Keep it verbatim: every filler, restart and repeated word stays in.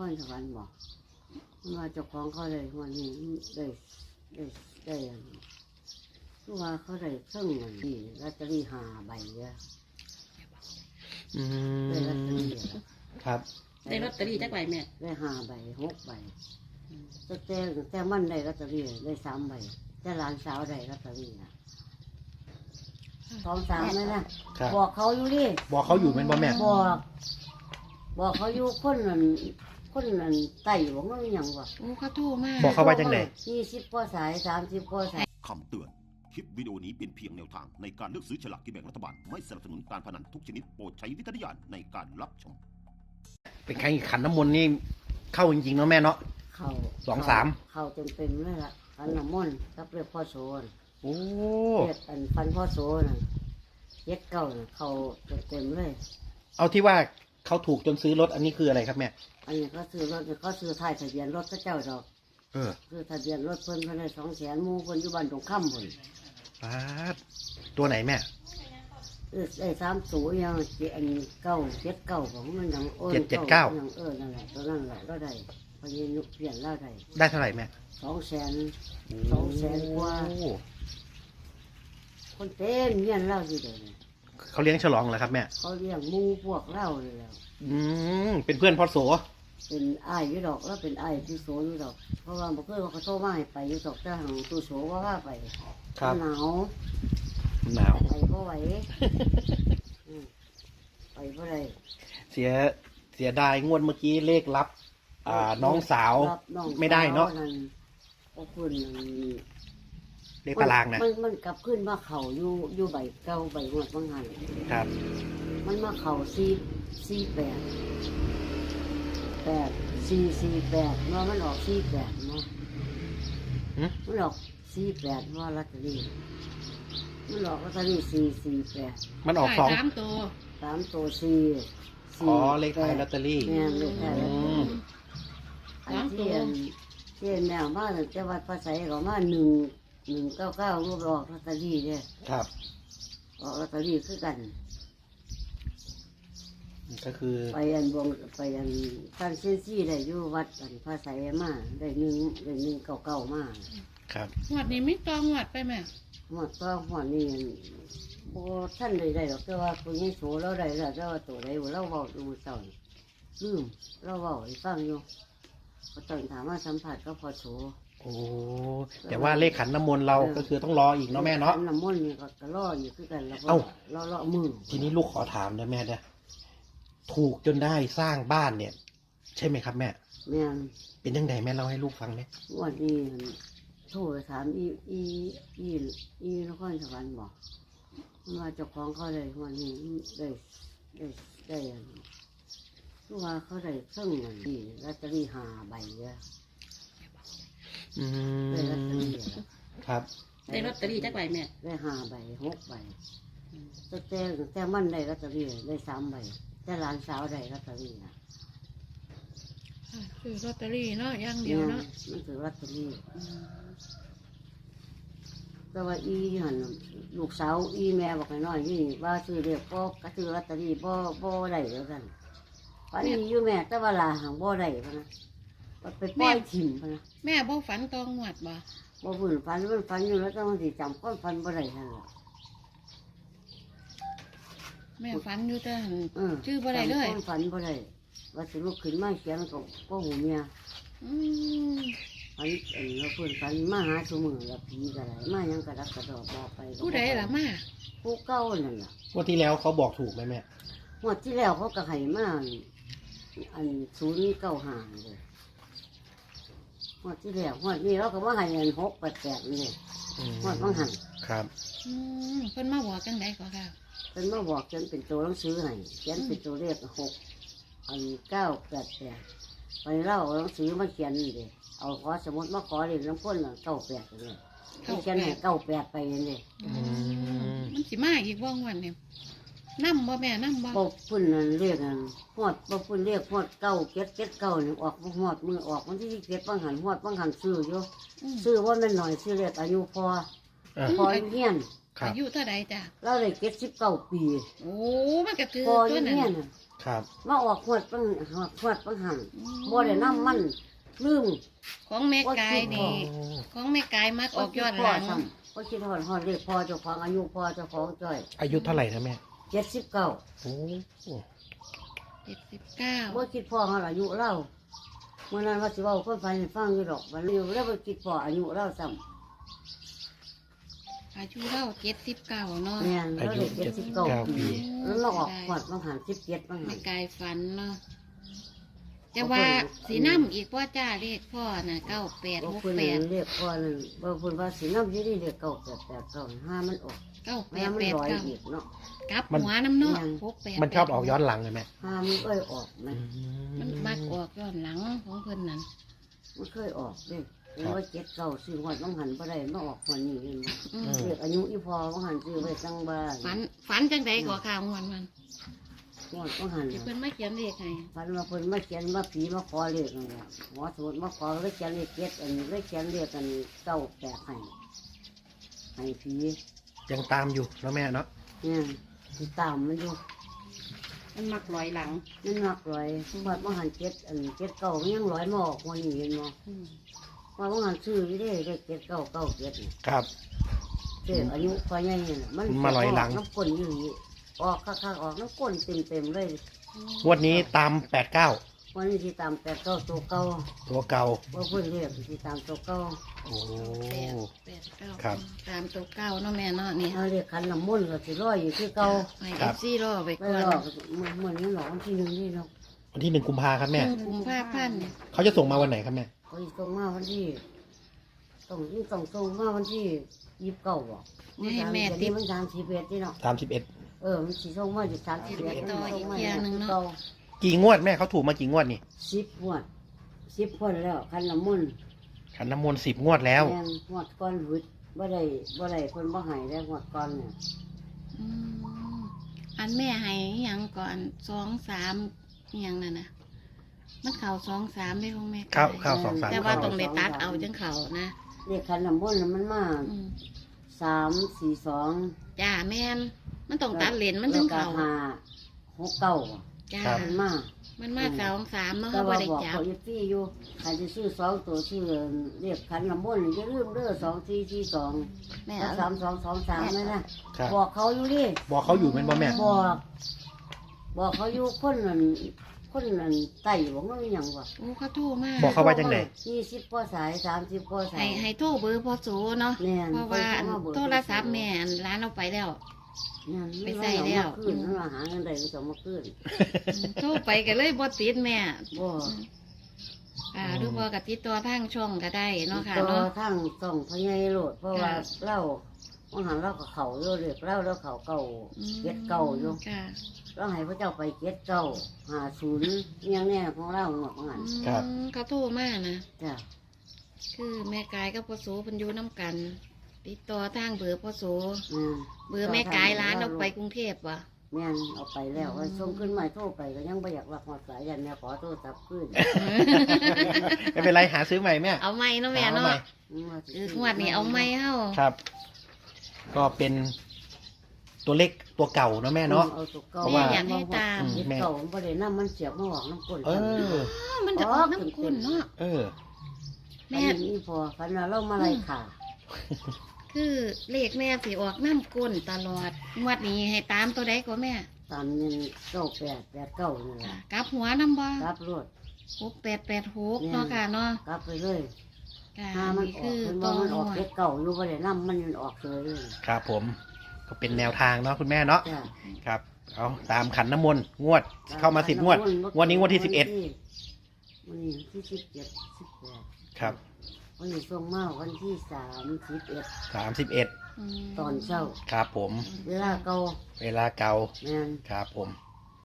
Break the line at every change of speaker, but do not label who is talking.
รสวรรค์บอกว่าเจ้าของเขาได้วันนี้ได้ได้ได้คือว่าเขาได้เครื่องเงินดีลอตเตอรี่ห้าใบเยอะได้ลอตเตอรี่
ครับ
ได้ลอตเตอรี่จักใบแม่
ได้ห้าใบหกใบแต่แต่แต่มันได้ลอตเตอรี่ได้สามใบแต่หลานสาวได้ลอตเตอรี่นะสองสามเลยนะบอกเขาอยู่ดิ
บอกเขาอยู่เป็นบ่แม่
บอกบอกเขาอยู่คนนั้นคนนั้นไต่บอกว่าอย่างวะ
โอ้เขาโทรมา
บอกเขาว่าจังไหน
ยี่สิบกว่าสายสามสิบกว่าสาย
คำเตือนคลิปวิดีโอนี้เป็นเพียงแนวทางในการเลือกซื้อฉลากกินแบ่งรัฐบาลไม่สนับสนุนการพนันทุกชนิดโปรดใช้วิจารณญาณในการรับชม
เป็นใครขันน้ำมนต์นี่เข้าจริงๆเนาะแม่เนาะ
เข้า
สองสาม
เข้าเต็มเต็มเลยล่ะขันน้ำมนต์กับเรียกพ่อโซน
โอ้
เรียกอันฟันพ่อโซนเย็ดเก่าเข้าเต็มเต็มเลย
เอาที่ว่าเขาถูกจนซื้อรถอันนี้คืออะไรครับแม่
อันนี้ก็ซื้อรถก็ซื้อท้ายทะเบียนรถก็เจ้าดอก
เออ
ซื้อทะเบียนรถเพิ่นเพิ่นได้สองแสนมูเพิ่นอยู่บ้านตรงข้ามเพิ่น
ปาดตัวไหนแม่
เออไอ้สามสูยังเจ็ดอันเก้าเจ็ดเก้าของมันยังโอ้ย
เจ็ดเจ็ดเก้า
ยังเออนั่นแหละตัวนั่นแหละเราได้พอยืนนุกเปลี่ยนเราได้
ได้เท่าไหร่แม่
สองแสนสองแสนกว่าคนเต้นเงี้ยเล่าสิเดี๋ยวนี้
เขาเลี้ยงฉลองเหรอครับแม่
เขาเลี้ยงมูพวกเล่าเลยแล้ว
อืมเป็นเพื่อนพ่อโส
เป็นไอ้ยี่ดอกแล้วเป็นไอ้ที่โสยี่ดอกเพราะว่าเมื่อคืนเขาโทรมาให้ไปยี่ดอกเจ้าของตู้โสว่าว่าไปหนาว
หนาว
ไปเพราะไหวไปเพราะไร
เสียเสียดายงวดเมื่อกี้เลขลับอ่าน้องสาวไม่ได้เนาะ
ขอบคุณ
เลขตารางนะ
มันมันกลับขึ้นมาเข่าอยู่อยู่ใบเก้าใบงวดบางหัน
ครับ
มันมาเข่าสี่สี่แปดแปดสี่สี่แปดเมื่อมันออกสี่แปดเนาะมันออกสี่แปดว่าลอตเตอรี่มันออกลอตเตอรี่สี่สี่แปด
มันออกสอง
สามตัว
สามตัวสี่
อ๋อเลขท้ายลอตเตอรี่
เนี่ยเลขท้ายลอตเตอรี่อันที่ที่แมวมาจะวัดภาษาเขามาหนึ่งหนึ่งเก้าเก้ารูปออกลอตเตอรี่เนี่ย
ครับ
ออกลอตเตอรี่คือกัน
ก็คือ
ไปอันบวงไปอันท่านเซนซี่ได้อยู่วัดอันภาษามาได้หนึ่งได้หนึ่งเก้าเก้ามา
ครับ
หวดนี้ไม่ต้องหวดไปไหม
หมดก็หมดนี่โบท่านได้ได้หรอกแต่ว่าคนนี้โสเราได้แล้วแต่ว่าตัวใดเราเบาดูเต่าลืมเราเบาให้ฟังอยู่พอตอนถามว่าสัมผัสก็พอโส
โอ้แต่ว่าเลขขันน้ำมนต์เราก็คือต้องรออีกเนาะแม่เนาะ
น้ำมนต์นี่ก็รออยู่คือกันแล้วก็รอรอมือ
ทีนี้ลูกขอถามนะแม่เนี่ยถูกจนได้สร้างบ้านเนี่ยใช่ไหมครับแม่
แม่
เป็นยังไงแม่เล่าให้ลูกฟังไหม
วันนี้โทรถามอีอีอีอีนครสวรรค์บอกว่าเจ้าของเขาได้วันนี้ได้ได้ได้คือว่าเขาได้เครื่องเงินดีลอตเตอรี่ห้าใบเยอะ
อืม
ได้ลอตเตอรี่
ครับ
ได้ลอตเตอรี่จักใบแม่
ได้ห้าใบหกใบแต่แต่แต่มันได้ลอตเตอรี่ได้สามใบแต่หลานสาวได้ลอตเตอรี่นะ
คือลอตเตอรี่เนาะอย่างเดียวเนาะ
มันคือลอตเตอรี่แต่ว่าอีหันลูกสาวอีแม่บอกให้น้อยนี่ว่าซื้อเรียกพ่อกระซื้อลอตเตอรี่พ่อพ่อได้แล้วกันฝันนี้อยู่แม่แต่ว่าลาหางพ่อได้พะนะไปปล่อยถิ่มพะนะ
แม่บ่ฝันตองหวดบ่
บ่ฝืนฝันมันฝันอยู่แล้วต้องสิจำก้อนฝันบ่ได้นั่นแหละ
แม่ฝันอยู่แต่ชื่อบ่ได้เลย
ฝันบ่ได้ว่าสิลุกขึ้นมาเขียนกับพ่อหูเมียฝันเอ็นแล้วเพื่อนฝันมาหาสมือแล้วผีกระไรมายังกระดักกระดอกบอกไป
ผู้ใดล่ะมา
ผู้เก่านั่นล่ะ
วันที่แล้วเขาบอกถูกไหมแม่
วันที่แล้วเขากระไห้มาอันศูนย์เก้าห้าเลยวันที่แล้ววันนี้เราก็ว่าให้เงินหกแปดแปดเลยวันบางหัน
ครับ
เพิ่นมาบอกจังไดก็ค่ะ
เพิ่นมาบอกจนเป็นตัวหนังสือให้เขียนเป็นตัวเลขหกอันเก้าแปดแปดไปเล่าหนังสือมาเขียนนี่เลยเอาขอสมุดมาขอเรียนน้ำพ่นเก้าแปดเลยเขียนให้เก้าแปดไปเลย
มันสิมาอีกว่างวันเนี่ยนั่มบ่แม่นั่มบ่
ปกพุ่นนั่นเรียกนั่นหอดปกพุ่นเรียกหอดเก้าเก็ดเก็ดเก้านี่ออกหอดมือออกวันที่เก็ดบางหันหอดบางหันซื้ออยู่ซื้อว่ามันหน่อยซื้อเรียกอายุพอพอเงี้ยน
อายุเท่าไรจ้ะ
เราเลยเก็ดสิบเก้าปี
โอ้มันก็คือ
พอเงี้ยน
ครับ
มาออกขวดปังหอดขวดปังหันบ่ได้น้ำมันลืม
ของแม่กายนี่ของแม่กายมักออกยอดหลัง
ก็คิดหอดหอดเลขพ่อเจ้าของอายุพ่อเจ้าของจ้อย
อายุเท่าไหร่นะแม่
เจ็ดสิบเก้า
โอ้
เจ็ดสิบเก้า
บ่คิดพ่อเขาอายุเล่าเมื่อนั้นว่าสิเว่าคนฟังให้ฟังอยู่ดอกวันนี้แล้วบ่คิดพ่ออายุเล่าซ้
อายุเราเจ็ดสิบเก้าเนาะ
ำแม่น
อา
แล้ว
ยุ
เด็กเจ็
เจ็
ด
ด
สิ
สิ
บบ เก้า
เก้า
ปี
ปี
แล้วเราออกขวดปังหันสิบเจ็ดปังหั
แม่
น
กายฝันเนาะจะว่าสีน้ำอีกว่าจ้าเลขพ่อน่ะเก้าแปด
บ่
หก
เพิ่น
แปด
เรียกพ่อนั่นบ่เพิ่นว่าสิน้ำอยู่นี่เรียกเก้าแปดแปดเก้าห้ามันออก
เก้าแป
แม่
ด
มัน
แปด
ลอย
เก้า
อีกเนาะ
กลับหัวน้ำเนาะ
ยัง
หกแปด
มันชอบออกย้อนหลังเลยแม่
ห้ามันเอ้ยออกนะ
มันมักออกย้อนหลังของเพิ่นนั่น
มันเคยออกเด้เห็นว่าเจ็ดเก้าซื้อหอดต้องหันบ่ได้มาออกหัวนี้เห็นบ่
อืม
เรียกอายุอีพอต้องหันซื้อไว้ตั้งบ้าน
ฝันฝันจังใดก็ข่าวงวนมัน
หอดต้องหัน
ที่เพิ่นมาเขียนเลขให้
ฝันว่าเพิ่นมาเขียนว่าผีมาขอเลขนั่นแหละหมอสมุดมาขอเลยเขียนเลขเจ็ดอันนี้เลยเขียนเลขอันเก้าแปดให้ให้ผี
ยังตามอยู่เนาะแม่เนาะ
เนี่ยติดตามมันอยู่
มันมักลอยหลัง
มันหนักร้อยหอดมาหันเจ็ดอันเจ็ดเก้ามันยังร้อยมาออกหัวนี้เห็นบ่
อืม
ว่าต้องหันซื้ออยู่เด้เลขเจ็ดเก้าเก้าเจ็ดนี่
ครับ
เด็กอายุพอใหญ่เนี่ยมัน
มาลอยหลัง
น้ำก้นอยู่นี่ออกข้างๆออกน้ำก้นเต็มเต็มๆเลย
งวดนี้ตามแปดเก้า
วันนี้ที่ตามแปดเก้าตัวเก่า
ตัวเก่า
ว่าเพื่อนเรียกที่ตามตัวเก่า
โอ้
แปดแปดเก้า
ครับ
ตามตัวเก้าเนาะแม่เนาะนี่
เขาเรียกขันน้ำมนต์ก็สิร้อยอยู่คือเก่า
ให้เอฟซีรอไป
ไม่
ก่อน
หรอกเหมือนเหมือนนี่หรอกวันที่หนึ่งนี่เนาะ
วันที่หนึ่งกุมภาครับแม่
หนึ่งกุมภาพันธ์เนี่ย
เขาจะส่งมาวันไหนครับแม่
เขาสิส่งมาวันที่ต้องนี่ต้องส่งมาวันที่ยี่สิบเก้าบ่มันสามสิบเอ็ดนี่มันสามสิบเอ็ดนี่เนาะ
สามสิบเอ็ด
เออมันสิส่งมาอยู่สามสิบเอ็ด
ต่ออีกเที่ยหนึงเนาะ
กี่งวดแม่เขาถูกมากี่งวดนี่
สิบงวดสิบคนแล้วขันน้ำมนต์
ขันน้ำมนต์สิบงวดแล้ว
แม่นงวดก้อนหวุดบ่ได้บ่ได้เพิ่นบ่ให้แล้วงวดก้อนเนี่ย
อืมอันแม่ให้อิหยังก่อนสองสามอิหยังนั่นน่ะมันเข่าสองสามได้ของแม่
เข้า
ไก่
เข้าสองสาม
แต่ว่า
เข้า
ต้องได้ตัดเอาจังเข่านะ
เรียกขันน้ำมนต์น่ะมันมา
อืม
สามสี่สอง
จ้าแม่นมันต้องตัดเลนมันถึง
แล้ว
เข่า
ก็ห้าหกเก้า
จ้า
ครับ
มันมา
มันมาสองสามเนาะ
แต่
เขาบ่
ว่า
ได้
บอก
จับ
เขาอยู่ที่อยู่ใครจะซื้อสองตัวชื่อเรียกขันน้ำมนต์อย่าลืมเด้อสองสี่สี่สอง
แม่
แล้ว
เอา
สามสองสองสามนั่นนะครับ บอกเขาอยู่ดิ
บอกเขาอยู่เป็นบ่แม่
บอก บอกเขาอยู่คนนั้นคนนั้นไต่บอกว่ามีหยังวะ
โอ้เขาโทรมา
บอกเขาว่าจังได
ยี่สิบกว่าสายสามสิบกว่าสา
ให้
ย
ให้โทรเบอร์พอโสเนาะ
แน่น
เพราะว่าอัน
เพิ่นเข้ามาเบอร์
โทรศัพท์แม่อันร้านเราไปแล้ว
นั่น
ไปใส่แล้ว
มันเอามาขึ้นมันมาหาเงินได้มันจะเอามาขึ้น
โทรไปก็เลยบ่ติดแม่
บ่
อ่าหรือว่ากติดต่อทางช่องก็ได้เนาะค่ะ
ตัว
เนาะ
ทั้งสองพญายโลดเพราะว่า
ค่ะ
เล่าวันหันเล่ากับเขาอยู่เรียกเล่าแล้วเขาเก่าเก็ดเก่าอยู่
ค่ะ
เราให้พระเจ้าไปเก็ดเก่าหาศูนย์เนียงแน่ของเล่าหมดหัน
ครับ
อืมเขาโทรมานะ
จ้ะ
คือแม่กายกับพ่อโสเพันอยูน้ำกัน ติดต่อทางเบอร์พ่อโส
แม่น
เบอร์แม่กายร้านเอาไปกรุงเทพวะ
แม่นเอาไปแล้วว่าส่งขึ้นมาโทรไปก็ยังไม่อยากรับหอดสายยันแม่ขอโทรศัพท์ขึ้น
ไม่เป็นไรหาซื้อใหม่แม่
เอาไม่เนาะแม่
หา
เนาะ
ใหม่
คืองวดนี้เอาไม่เฮ้า
ครับ ก็เป็นตัวเล็กตัวเก่าเนาะแม่เนาะ
เอาตัวเก่า
เพราะว่า
อยากให้ตาม
เก็ดเก่ามันบ่ได้น้ำมันเสียบมาหอกน้ำก้น
เออ
อ้าวมันจะออกน้ำกุนเนาะ
เออ
แม่
แม่
นี่พอฟันว่าเรามาไล่ขา
คือเลขแม่สิออกน้ำกุนตลอด งวดนี้ให้ตามตัวใดก็แม่
ตามเงินเก้าแปดแปดเก้านี่แห
ค่ะ
ละ
กลับหัวน้ำบ่
รับรถ
หกแปดแปดหกเนาะค่ะเนาะ
กลับไปเลย
ค่ะ
ถ้ามัน
นี่
ออ
คื
ก
อ
มัน
ต
ว่า
อง
มันอ
ห
อก
วด
เก็ดเก่าอยู่บ่ได้น้ำมันมันออกเลย
ครับผม ก็เป็นแนวทางเนาะคุณแม่เนาะ
จ้ะ
ครับ เอาตามขันน้ำมนต์งวด เข้ามาสิบงวด งวดนี้งวดที่สิบเอ็ด
วันนี้ที่สิบเจ็ดสิบแปด
ครับ
วันนี้ส่งมาวันที่สามสิบเอ็ด
สามสิบเอ็ด
ม
ตอนเช้า
ครับผม
เวลาเก่า
เวลาเก่า
แม่น
ครับผม
เ